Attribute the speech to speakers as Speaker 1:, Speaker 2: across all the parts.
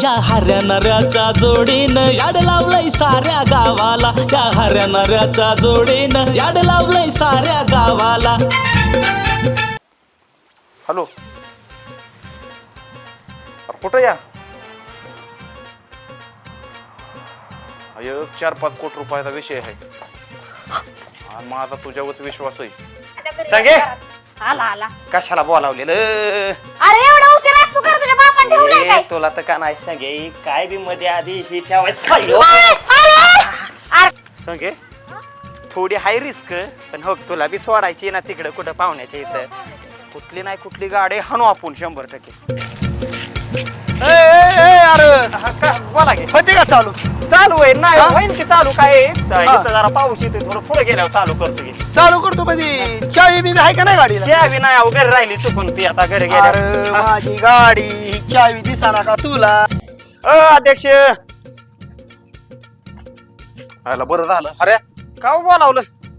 Speaker 1: या हऱ्या नऱ्याच्या जोडीनं याड लावलंय साऱ्या गावाला, या हऱ्या नऱ्याच्या जोडीनं याड लावलंय साऱ्या गावाला.
Speaker 2: हॅलो, कुठं या? 4-5 कोटी रुपयाचा विषय आहे. माझा तुझ्यावर विश्वास आहे. सांगे
Speaker 3: आला आला.
Speaker 2: कशाला बोलावलेलं?
Speaker 3: अरे एवढा उशीर असतो कर तुझ्या बापान ठेवलाय काय?
Speaker 2: तुला तर का नाही सांगे, काय बी मध्ये आधी ही ठेवायचं. सांगे थोडी हाय रिस्क, पण हो तुला बी सोडायची ना तिकडे कुठं पाहुण्याच्या इथं. कुठली नाही कुठली गाडी हाणू आपण 100%. अरे बोला की, होते का चालू? चालू आहे नाही होईन की चालू. काय इथं जरा पाऊस येते, थोडं पुढे गेल्यावर चालू करतो की.
Speaker 4: चालू करतो कधी? चावी बी आहे का नाही गाडीला?
Speaker 2: चावी नाही अहो, घरी राहिली चुकून ती, आता घरी गेल्या.
Speaker 4: माझी गाडी चावी दिसाना का तुला?
Speaker 2: अध्यक्ष आला बरं झालं. अरे का बोलावलं?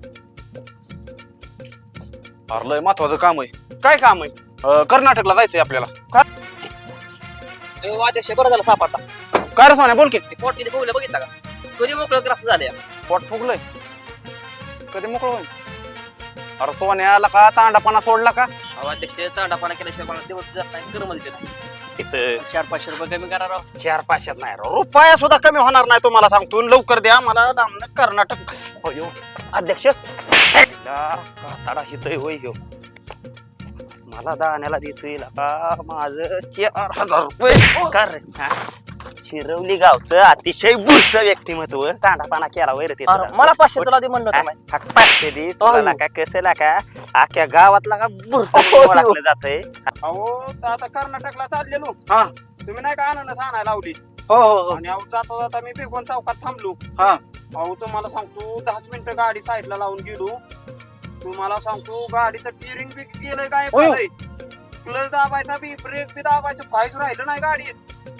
Speaker 5: अरे लय महत्वाचं काम आहे.
Speaker 2: काय काम आहे?
Speaker 5: कर्नाटकला जायचंय आपल्याला.
Speaker 6: अध्यक्ष बरं झालं सापडला.
Speaker 5: काय रे सोन्या, बोल की.
Speaker 6: पोट किती फुगलं बघितलं का? कधी मोकळं ग्रास झाले.
Speaker 5: पोट फुगलंय, कधी मोकळं होईल? अरे सोन्याला का तांडापणा सोडला का?
Speaker 6: अध्यक्ष चांडापाना केल्याशिवाय मला दिवस जात नाही. गरम दिले नाही.
Speaker 2: इथं
Speaker 6: 400-500 रुपये कमी करा राव.
Speaker 2: 4-500 नाही राव, रुपया सुद्धा कमी होणार नाही तुम्हाला सांगतो. लवकर द्या मला लांबनं कर्नाटक. अयो अध्यक्ष काताडा हितय होय ह्यो. मला दाण्याला देतोय का माझं 4000 रुपये. कर रे. शिरवली गावचं अतिशय बुष्ट व्यक्तिमत्व. तांडापाना केला वैर ते.
Speaker 6: मला 500 तुला दे म्हणलं होतं माहिती.
Speaker 2: 500 दे तुला का कसं का अख्ख्या गावातला का बुरट ओळखलं जातंय. अहो आता कर्नाटकला चाललेलो.
Speaker 5: हा.
Speaker 2: तुम्ही नाही का अननस आणायला लावली?
Speaker 5: हो हो
Speaker 2: आणि अहो जाता जाता मी बेगोन चौकात थांबलो.
Speaker 5: हा.
Speaker 2: अहो तुम्हाला सांगतो 10 मिनिटं गाडी साईडला लावून गेलो. तुम्हाला सांगतो गाडीचं टिअरिंग बी गेलंय काय, क्लच दाबायचा बी, ब्रेक बी दाबायचं, काहीच राहिलं नाही गाडीत.